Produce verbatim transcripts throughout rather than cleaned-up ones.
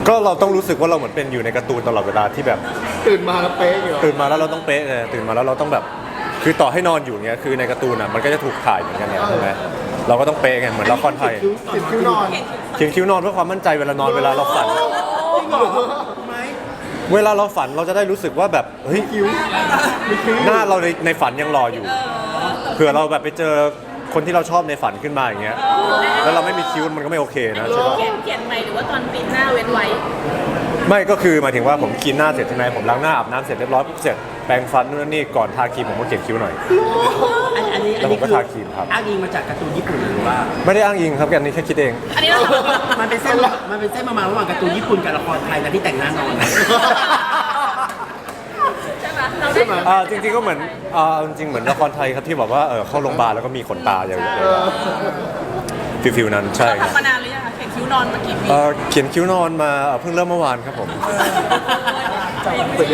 ก็เราต้องรู้สึกว่าเราเหมือนเป็นอยู่ในการ์ตูนตลอดเวลาที่แบบตื่นมาแล้วเป๊ะอยู่ตื่นมาแล้วเราต้องเป๊ะไงตื่นมาแล้วเราต้องแบบคือต่อให้นอนอยู่เงี้ยคือในการ์ตูนอ่ะมันก็จะถูกถ่ายเหมือนกันเนี่ยใช่ไหมเราก็ต้องเป๊ะไงเหมือนละครไทยติดคิ้วนอนเขียนคิ้วนอนเพื่อความมั่นใจเวลานอนเวลาเราฝันจริงเหรอไหมเวลาเราฝันเราจะได้รู้สึกว่าแบบเฮ้ยคิ้วมีคิ้วหน้าเราในในฝันยังรออยู่เผื่อเราแบบไปเจอคนที่เราชอบในฝันขึ้นมาอย่างเงี้ยแล้วเราไม่มีคิ้วมันก็ไม่โอเคนะใช่ปะเขียนเขียนใหม่หรือว่าตอนปิดหน้าเว้นไว้ไม่ก็คือหมายถึงว่าผมกินหน้าเสร็จใช่ไหมผมล้างหน้าอาบน้ำเสร็จเรียบร้อยปุ๊บเสร็จแปรงฟันนู่นนี่ก่อนทาครีมผมก็เขียนคิ้วหน่อยอันอันนี้แล้วผมก็คือทาครีมครับอ้างอิงมาจากการ์ตูนญี่ปุ่นหรือว่าไม่ได้อ้างอิงครับอันนี้แค่คิดเองอันนี้เรามันเป็นเส้นมันเป็นเส้นประมาณระหว่างการ์ตูนญี่ปุ่นกับละครไทยนะที่แต่งหน้านอนใช่ไหมเราใช่ไหมได้อ่าจริงๆก็เหมือนอ่าจริงๆเหมือนละครไทยครับที่บอกว่าเออเข้าโรงพยาบาลแล้วก็มีขนตาอย่างเงี้ยฟิลฟิลนั้นใช่คเรารับทำมานานหรือยังคะเขียนคิ้วนอนมากี่ปีเอ่อเขียนคิ้วนอนมาเอ่อเพิ่งเริ่มเมื่อวานครับผมเปิดเลย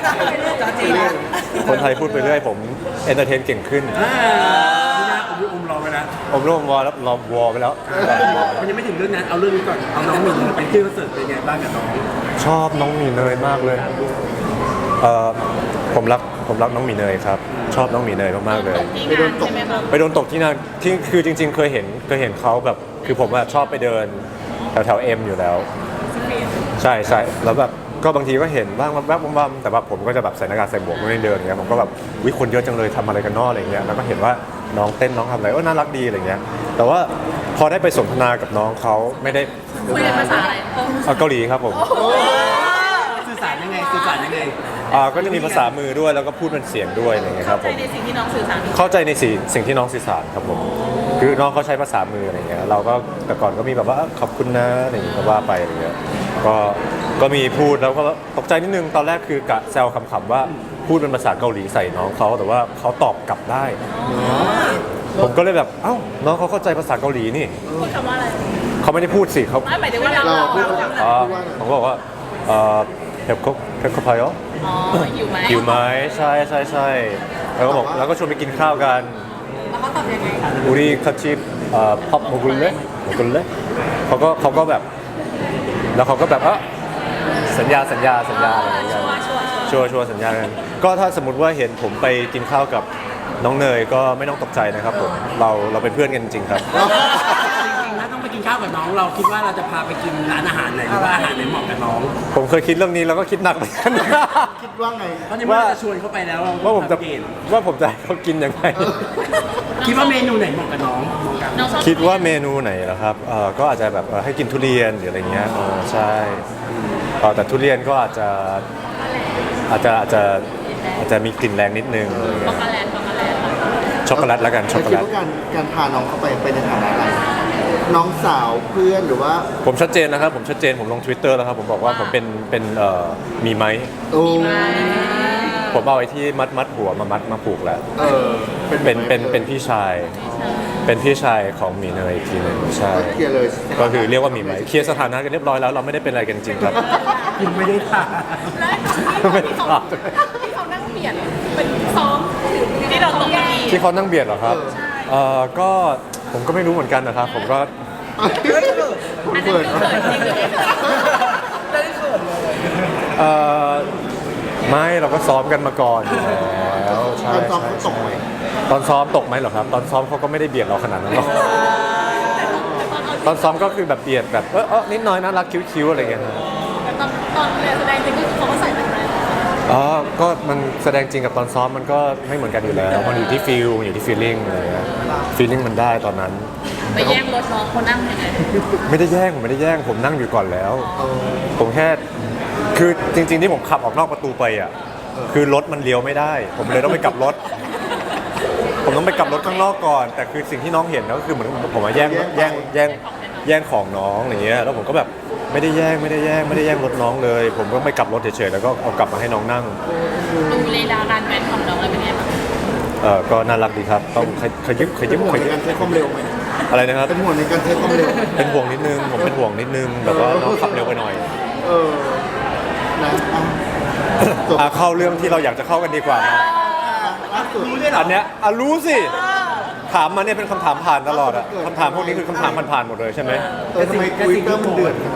คนไทยพูดไปเรื่อยผมเอนเตอร์เทนเก่งขึ้นอ่านี่นะผมอมรอไปแล้วผมร่วมวอลแล้วรอวอลไปแล้วมันยังไม่ถึงเรื่องนั้นเอาเรื่องนี้ก่อนเอาน้องหมินไปขึ้นคอนเสิร์ตเป็นไงบ้างกับน้องชอบน้องหมีเนยมากเลยเอ่อผมรักผมรักน้องหมีเนยครับชอบน้องหมีเนยมากๆเลยที่งานใช่ไหมคะไปโดนตกที่นั่นที่คือจริง ๆ เคยเห็นเคยเห็นเขาแบบคือผมอะชอบไปเดินแถวแถวเอ็มอยู่แล้ว ใช่ใช่แล้วแบบก็บางทีก็เห็นบ้างแวบๆบ้างๆแต่ว่าผมก็จะแบบใส่หน้ากากใส่หมวกไม่ได้เดินอย่างเงี้ยผมก็แบบวิคนเยอะจังเลยทำอะไรกันนอกอะไรเงี้ยแล้วก็เห็นว่าน้องเต้นน้องทำอะไรเออน่ารักดีอะไรเงี้ยแต่ว่าพอได้ไปสนทนากับน้องเขาไม่ได้คุยเป็นภาษาอะไรเอาเกาหลีครับผมสื่อสารยังไงสื่อสารยังไงอ่าก็จะมีภาษามือด้วยแล้วก็พูดเป็นเสียงด้วยอะไรเงี้ยคเข้ารับใจผมในสิ่งที่น้องสื่อสารเข้าใจในสิ่งสิ่งที่น้องสื่อสารครับผมคือน้องเขาใช้ภาษามืออะไรเงี้ยเราก็แต่ก่อนก็มีแบบว่าเอ้อขอบคุณนะอะไรอย่างเงี้ยก็ว่าไปอะไรเงี้ยก็ก็มีพูดแล้วก็ตกใจนิดนึงตอนแรกคือกะแซวขำๆว่าพูดเป็นภาษาเกาหลีใส่น้องเขาแต่ว่าเขาตอบกลับได้ ผมก็เลยแบบเอ้าน้องเขาเข้าใจภาษาเกาหลีนี่พูดคำว่าอะไรเขาไม่ได้พูดสิเขาไม่หมายถึงว่าเราเราเราพูดเราอ๋อผมก็บอกว่าเอ่อเฮปโคเฮปโคพายออ๋ออยู่ไหมหิวไหมใช่ใช่ใช่แล้วก็บอกแล้วก็ชวนไปกินข้าวกันแล้วเขาตอบยังไงอุริคาชิเอ่อพับโมกุลเล่โมกุลเล่เขาก็เขาก็แบบ แล้วเขาก็แบบเออสัญญาสัญญาสัญญาอะไรอย่างเงี้ยชัวร์ชัวร์ชัวร์ชัวร์สัญญากันก็ถ้าสมมติว่าเห็นผมไปกินข้าวกับน้องเนยก็ไม่ต้องตกใจนะครับผมเราเราเป็นเพื่อนกันจริงๆครับจริงๆถ้าต้องไปกินข้าวกับน้องเราคิดว่าเราจะพาไปกินร้านอาหารไหนหรือว่าอาหารไหนเหมาะกับน้องผมเคยคิดเรื่องนี้แล้วก็คิดหนักเหมือนกันคิดว่าไงเพราะในเมื่อเราจะชวนเขาไปแล้วเราว่าผมจะเกณฑ์ว่าผมจะให้เขากินยังไงคิดว่าเมนูไหนเหมาะกับน้องมองกันน้องชอบคิดว่าเมนูไหนเหรอครับเออก็อาจจะแบบเอ่อให้กินทุเรียนหรืออะไรเงี้ยเออใช่เออแต่ทุเรียนก็อาจจะอาจจะอาจจะอาจจะมีกลิ่นแรงนิดนึงอะไรช็เงี้อกยโกแลตช็อกโกแลตช็อกโกแลตแล้วกันช็อกโกคิแลดตว่าการการพาน้องเข้าไปไปในฐานะอะไร น้องสาวเพื่อนหรือว่าผมชัดเจนนะครับผมชัดเจนผมลง Twitter แล้วครับผมบอกว่าผมเป็นเป็นเอ่อมีไหมโอ้ผมเอาไอ้ที่มัดมัดหัวมามัดมาผูกแล้วเออเป็นเป็นเป็นพี่ชาย เป็นพี่ชายของหมีเนยอีกทีหนึ่งใช่ก็เคลียร์เลยก็คือเรียกว่าหมีไหมเคลียร์สถานะกันเรียบร้อยแล้วเราไม่ได้เป็นอะไรกันจริงครับยังไม่ได้ทานแล้วที่เขาที่เขานั่งเบียดเป็นซ้อมที่เราตกเก้าอี้ที่เขานั่งเบียดเหรอครับเอ่อก็ผมก็ไม่รู้เหมือนกันนะครับ ผมก็อันนั้นคือเขินจริงหรือไม่เขินเอ่อไม่เราก็ซ้อมกันมาก่อนอยู่แล้วใช่ตอนซ้อมใช่เขาตกไหมตอนซ้อมตกไหมเหรอครับ ตอนซ้อมเขาก็ไม่ได้เบียดเราขนาดนั้นหรอกตอนซ้อมก็คือแบบเบียดแบบเออเออนิดหน้อยน่ารักคิ้วๆอะไรอย่างเงี้ยนะแต่ตอนตอนเรียนแสดงจริงก็คือเขาก็ใส่แบบนั้นอ๋อก็มันแสดงจริงกับตอนซ้อมมันก็ไม่เหมือนกันอยู่แล้ว มันอยู่ที่ฟิลอยู่ที่ฟีลลิ่งอะไรเงี้ยฟีลลิ่งมันได้ตอนนั้นไปแย่งรถน้องเขานั่งยังไงไม่ได้แย่งผมไม่ได้แย่งผมนั่งอยู่ก่อนแล้ว ผมแค่คือจริง ๆ ที่ผมขับออกนอกประตูไปอ่ะคือรถมันเลี้ยวไม่ได้ ผมเลยต้องไปกลับรถ ผมต้องไปกลับรถข้างนอกก่อน แต่คือสิ่งที่น้องเห็นก็คือเหมือนผมมาแย่งแย่งแย่งแย่งของน้องอย่างเงี้ยแล้วผมก็แบบไม่ได้แย่งไม่ได้แย่งไม่ได้แย่งรถน้องเลย ผมก็ไปกลับรถเฉยๆแล้วก็เอากลับมาให้น้องนั่งดูเรดาร์การแว้นของน้องเลยเป็นไงบ้างเออก็น่ารักดีครับต้องขยขยิบขเป็ยินบห่วขงในยิบการใช้ความเร็วไหมอะไรนะครับเป็นห่วงในการใช้ความเร็วเป็นห่วงนิดนึงผมเป็นห่วงนิดนึงแบบว่าน้องขับเร็วไปหน่อยเออนะอ่ะจบอ่ะเข้าเรื่องที่เราอยากจะเข้ากันดีกว่านะล่าสุดรู้ด้วยเหรออันเนี้ยอ่ะรู้สิถามมาเนี่ยเป็นคำถามผ่านตลอดอะคำถามพวกนี้คือคำถามผ่านๆหมดเลยใช่ไหมเออทำไมทวิตเตอร์มันเดือดขนาดนั้นจ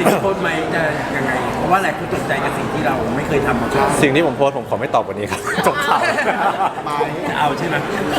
สิ่งที่โพสต์ไหมจะยังไงเพราะว่าหลายคนตกใจกับสิ่งที่เราไม่เคยทำมาก่อนสิ่งที่ผมโพสต์ผมขอไม่ตอบวันนี้ครับ จบข่าวไม้จะเอาใช่ไหม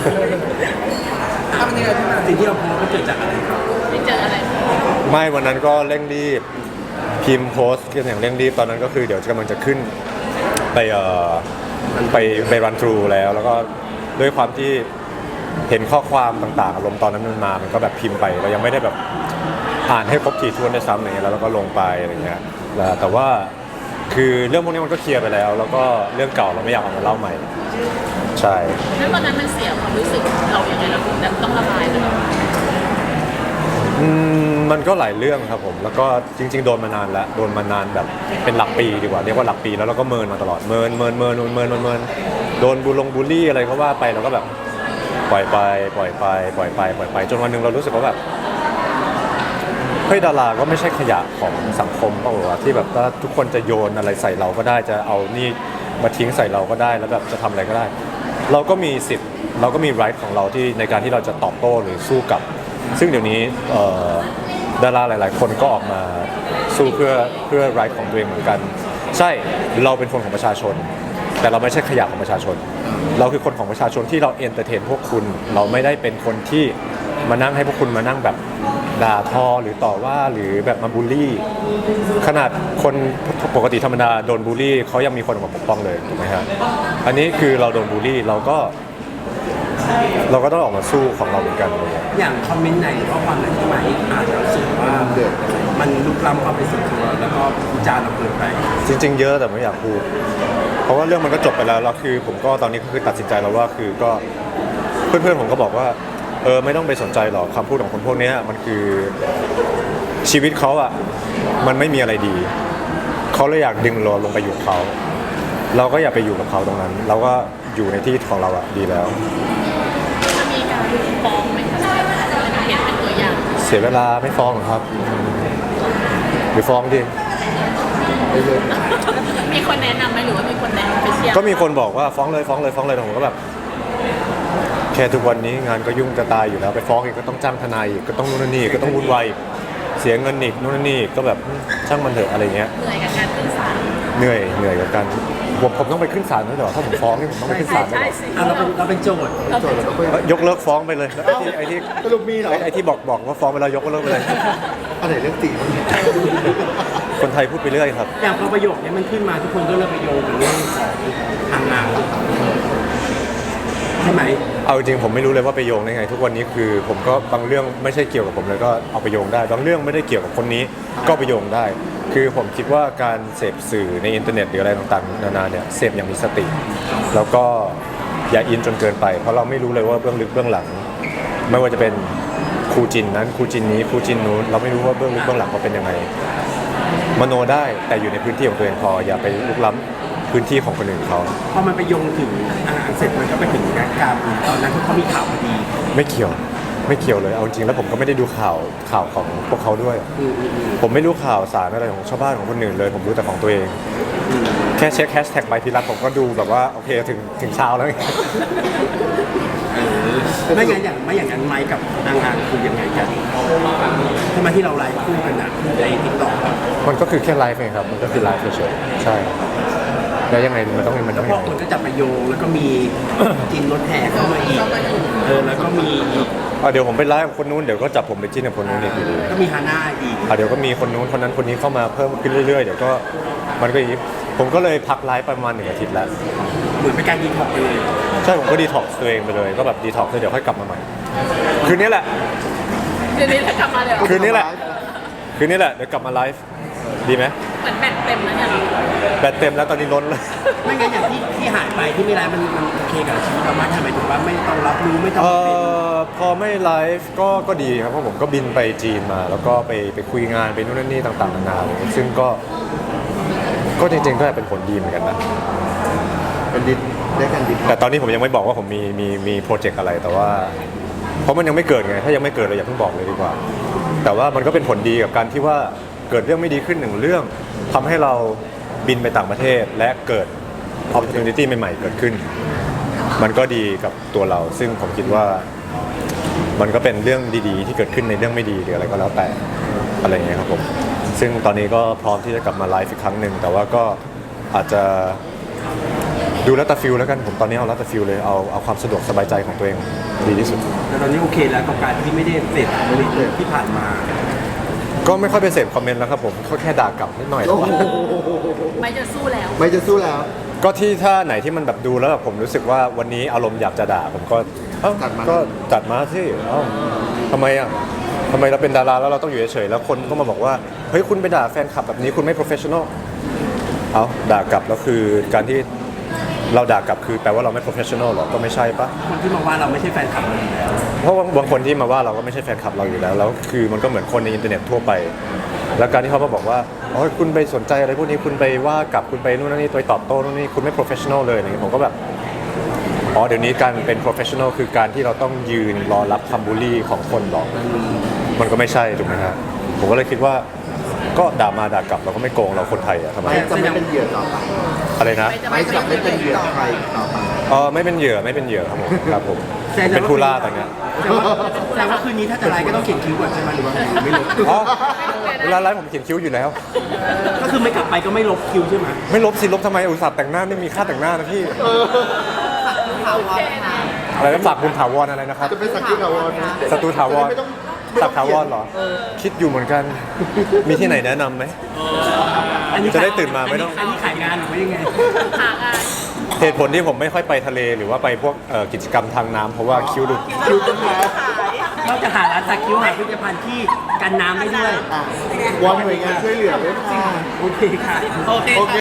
สิ่งที่เราโพสต์ก็เกิดจากอะไรครับไม่เจออะไรไม่วันนั้นก็เร่งรีบพิมพ์โพสต์กันอย่างเร่งรีบตอนนั้นก็คือเดี๋ยวกำลังจะขึ้นไปเอ่อไปไปรันทรูแล้ว แล้วก็ด้วยความที่เห็นข้อความต่างๆอารมณ์ตอนนั้นมันมามันก็แบบพิมพ์ไปเรายังไม่ได้แบบอ่านให้ครบถี่ถ้วนได้ซ้ำอะไรเงี้ยแล้วเราก็ลงไปอะไรเงี้ยแล้วแต่ว่าคือเรื่องพวกนี้มันก็เคลียร์ไปแล้ว แล้วก็เรื่องเก่าเราไม่อยากเอามาเล่าใหม่ใช่แล้ววันนั้นมันเสียความรู้สึกเราอย่างไรเราถึงแบบต้องระบายมันออกมาอืมมันก็หลายเรื่องครับผมแล้วก็จริงๆโดนมานานแล้วโดนมานานแบบเป็นหลักปีดีกว่าเรียกว่าหลักปีแล้วเราก็เมินมาตลอดเมินเมินเมินเมินเมินเมินเมินโดนบูลงบูลลี่อะไรก็ว่าไปเราก็แบบปล่อยไปปล่อยไปปล่อยไปปล่อยไปจนวันหนึ่งเรารู้สึกว่าแบบเฮ้ยดาราก็ไม่ใช่ขยะของสังคมเปล่าวะที่แบบว่าทุกคนจะโยนอะไรใส่เราก็ได้จะเอานี่มาทิ้งใส่เราก็ได้แล้วแบบจะทำอะไรก็ได้ เราก็มีสิทธิ์เราก็มี right ของเราที่ในการที่เราจะตอบโต้หรือสู้กับซึ่งเดี๋ยวนี้เอ่อดาราหลาย ๆ คนก็ออกมาสู้เพื่อเพื่อ right ของตัวเองเหมือนกันใช่เราเป็นคนของประชาชน แต่เราไม่ใช่ขยะของประชาชน เราคือคนของประชาชนที่เราเอนเตอร์เทนพวกคุณเราไม่ได้เป็นคนที่มานั่งให้พวกคุณมานั่งแบบด่าทอหรือต่อว่าหรือแบบมาบูลลี่ ขนาดคนปกติธรรมดาโดนบูลลี่เขายังมีคนออกมาปกป้องเลยถูกไหมฮะอันนี้คือเราโดนบูลลี่เราก็เราก็ต้องออกมาสู้ของเราเหมือนกันเลยอย่างคอมเมนต์ไหนหรือว่าความไหนที่ไหมอาจจะรู้สึกว่ามันลุกล้ำความเป็นส่วนตัวแล้วก็วิจารณ์เราเกินไปจริงๆเยอะแต่ไม่อยากพูด เพราะว่าเรื่องมันก็จบไปแล้วแล้วคือผมก็ตอนนี้ก็คือตัดสินใจแล้วว่าคือก็เพื่อนๆผมก็บอกว่าเออไม่ต้องไปสนใจหรอกคำพูดของคนพวกนี้มันคือชีวิตเขาอ่ะมันไม่มีอะไรดีเขาเลยอยากดึงเราลงไปอยู่กับเขาเราก็อย่าไปอยู่กับเขาตรงนั้น เราก็อยู่ในที่ของเราอ่ะดีแล้วจะมีการฟ้องไหมคะเห็นเป็นตัวอย่างเสียเวลาไม่ฟ้องหรอกครับหรือฟ้องดิมีคนแนะนำไหมหรือว่ามีคนแนะนำไปเชียร์ก็มีคนบอกว่าฟ้องเลยฟ้องเลยฟ้องเลยแต่ผมก็แบบแค่ทุกวันนี้งานก็ยุ่งจะตายอยู่แล้วไปฟ้องอีกก็ต้องจ้างทนายอีกก็ต้องนู่นนนนี่ก็ต้องวุ่นวายอีกเสียเงินอีกนู่นนนนี่ก็แบบช่างมันเถอะอะไรเงี้ยเหนื่อยกับการขึ้นศาลเหนื่อยเหนื่อยกับการผมผมต้องไปขึ้นศาลด้วยเหรอถ้าผมฟ้องนี่ผมต้องไปขึ้นศาลด้วยใช่เหรอสิอ่ะเราเป็นเราเป็นโจทย์เราโจเป็ทนย์เราก็ยกเลิกฟ้องไปเลยแล้วไอ้ที่ไอ้ที่สรุปมีเหรอไอ้ที่บอกบอกว่าฟ้องไปแล้วยกเลิกไปเลยอันไหนเรื่องจริงคนไทยพูดไปเรื่อยครับอย่างพอประโยคนี้มันขึ้นมาทุกคนก็เลยไปโยงถึงเรื่องของทางงานใช่ไหมเอาจริงผมไม่รู้เลยว่าไปโยงได้ไง ทุกวันนี้คือผมก็บางเรื่องไม่ใช่เกี่ยวกับผมเลยก็เอาไปโยงได้ บางเรื่องไม่ได้เกี่ยวกับคนนี้ก็ไปโยงได้ คือผมคิดว่าการเสพสื่อในอินเทอร์เน็ตหรืออะไรต่างๆนานาเนี่ยเสพอย่างมีสติ แล้วก็อย่าอินจนเกินไป เพราะเราไม่รู้เลยว่าเบื้องลึกเบื้องหลัง ไม่ว่าจะเป็นครูจินนั้นครูจินนี้ครูจินนู้นเราไม่รู้ว่าเบื้องลึกเบื้องหลังเขาเป็นยังไงมโนได้แต่อยู่ในพื้นที่ของตัวเองพออย่าไปลุกล้ำพื้นที่ของคนอื่นเขาพอมันไปโยงถึงอาหารเสร็จมันก็ไปถึงการการตอนนั้นเขามีข่าวพอดีไม่เกี่ยวไม่เกี่ยวเลยเอาจริงแล้วผมก็ไม่ได้ดูข่าวข่าวของพวกเขาด้วยอืมอืมอืมผมไม่รู้ข่าวสารอะไรของชาวบ้านของคนอื่นเลย ผมรู้แต่ของตัวเอง แค่เช็คแฮชแท็กใบพิรัตผมก็ดูแบบว่าโอเคถึงถึงเช้าแล้วไงไม่งั้นอย่างไม่อย่างนั้นไม้กับนางงานคือยังไงกันทำไมที่เราไลฟ์คู่กันอ่ะในติ๊กต็อกมันก็คือแค่ไลฟ์เองครับมันก็คือไลฟ์เฉยๆใช่แล้วยังไงมันต้องมันแล้ต้วองพยัองไงคนก็จับมาโยงแล้วก็มี จินรถแห่เข้ามาอีกเออแล้วก็มีอีกอ่ะเดี๋ยวผมไปไลฟ์กับคนนู้นเดี๋ยวก็จับผมไปจิ้นกับคนนู้นอีกอยู่ดีก็มีฮาน่าอีกอ่ะเดี๋ยวก็มีคนนู้นคนนั้นคนนี้เข้ามาเพิ่มขึ้นเรื่อยๆเดี๋ยวก็มันก็อย่างนี้ผมก็เลยพักไลฟ์ประมาณหนึ่งอาทิตย์แล้วเหมือนเป็นการดีท็อกซ์ไปเลยใช่ผมก็ดีท็อกซ์ตัวเองไปเลยก็แบบดีท็อกซ์เดี๋ยวค่อยกลับมาใหม่คืนนี้แหละเดี๋ยวนี้จะกลับมาเลยเหรอคืนนี้แหละ คืนนี้แหละเดี๋ยวกลับมาไลฟ์ดีไหมเหมือนแบตเต็มแล้วเนี่ยเหรอแบตเต็มแล้วตอนนี้ล้นเลยไม่งั้นอย่างที่ที่หายไปที่ไม่ไลฟ์มันมันโอเคกับชีวิตเรามากทำไมถึงว่าไม่ต้องรับรู้ไม่ต้องเอ่เป็นอพอไม่ไลฟ์ก็ก็ดีครับเพราะผมก็บินไปจีนมา แล้วก็ไปไปคุยงานไปนู่นนั่นนี่ต่างๆนานาเลยซึ่งก็ก็จริงๆก็เป็นผลดีเหมือนกันนะเป็นดินได้กันดินแต่ตอนนี้ผมยังไม่บอกว่าผมมีมีมีโปรเจกต์อะไรแต่ว่าเพราะมันยังไม่เกิดไงถ้ายังไม่เกิดเราอย่าเพิ่งบอกเลยดีกว่า แต่ว่ามันก็เป็นผลดีกับการที่ว่าเกิดเรื่องไม่ดีขึ้นหนึ่งเรื่องทำให้เราบินไปต่างประเทศและเกิด opportunity ใหม่ๆเกิดขึ้น มันก็ดีกับตัวเรา ซึ่งผมคิดว่ามันก็เป็นเรื่องดีๆ ที่เกิดขึ้นในเรื่องไม่ดีหรืออะไรก็แล้วแต่อะไรอย่างเงี้ยครับผมซึ่งตอนนี้ก็พร้อมที่จะกลับมาไลฟ์อีกครั้งหนึ่งแต่ว่าก็อาจจะดูแล้วแต่ฟิลแล้วกันผมตอนนี้เอาแล้วแต่ฟิลเลยเอาเอาความสะดวกสบายใจของตัวเองดีที่สุดแต่ตอนนี้โอเคแล้วกับการที่ไม่ได้เสพคอมเมนต์ที่ผ่านมาก็ไม่ค่อยไปเสพคอมเมนต์แล้วครับผมก็แค่ด่ากลับนิดหน่อยโอ้โหไม่จะสู้แล้วไม่จะสู้แล้วก็ที่ถ้าไหนที่มันแบบดูแล้วแบบผมรู้สึกว่าวันนี้อารมณ์อยากจะด่าผมก็เอ้าจัดมาก็จัดมาสิเอ้าทำไมอ่ะทำไมเราเป็นดาราแล้วเราต้องอยู่เฉยๆแล้วคนก็มาบอกว่าเฮ้ยคุณไปด่าแฟนคลับแบบนี้คุณไม่ professional เอาด่ากลับแล้วคือการที่เราด่ากลับคือแปลว่าเราไม่ professional หรอก็ไม่ใช่ปะคนที่มาว่าเราไม่ใช่แฟนคลับเราอยู่แล้วเพราะว่าบางคนที่มาว่าเราก็ไม่ใช่แฟนคลับเราอยู่แล้วแล้วคือมันก็เหมือนคนในอินเทอร์เน็ตทั่วไป แล้วการที่เขามาบอกว่าอ๋อคุณไปสนใจอะไรพวกนี้คุณไปว่ากลับคุณไปนู่นนั่นนี่ไปตอบโต้นู่นนี่คุณไม่ professional เลยอะไรเงี้ยผมก็แบบอ๋อเดี๋ยวนี้การเป็น professional คือการที่เราต้องยืนรอรับคำบูลลี่ของคนหรอกมันก็ไม่ใช่ถูกไหมครับผมก็เลยคิดว่าก็ด่ามาด่ากลับเราก็ไม่โกงเราคนไทยอะทำไมไม่จะไม่เป็นเหยื่อต่อไปอะไรนะไม่จะไม่เป็นเหยื่อใครต่อไปเออไม่เป็นเหยื่อไม่เป็นเหยื่อครับผมครับผมเป็นผู้ล่าแต่เงี้ยแต่ว่าแต่ว่าคืนนี้ถ้าจะไลฟ์ก็ต้องเขียนคิ้วก่อนใช่ไหมหรือว่าไม่ลบอ๋อเวลาไลฟ์ผมเขียนคิ้วอยู่แล้วก็คือไม่กลับไปก็ไม่ลบคิ้วใช่ไหมไม่ลบสิลบทำไมอุตส่าห์แต่งหน้าไม่มีค่าแต่งหน้านะพี่อะไรนะฝากบุญถาวรอะไรนะครับจะเป็นสักดิ์ถาวรนะศัตรูถาวรไม่ต้องไม่สัต้อก งถาวรเหรอ คิดอยู่เหมือนกัน มีที่ไหนแนะนำไหม จะได้ตื่นมาไม่ต้องอันนี้ขายงานหรือว่ายังไงหางานเหตุผลที่ผมไม่ค่อยไปทะเลหรือว่าไปพวกเอ่อกิจกรรมทางน้ำเพราะว่าคิ้วดูคิวต้นไม้เราจะหาร้านสักคิ้วหาผลิตภัณฑ์ที่กันน้ำได้ด้วยอ่ะวอนหน่วยงานช่วยเหลือด้วยค่ะโอเคค่ะโอเคค่ะ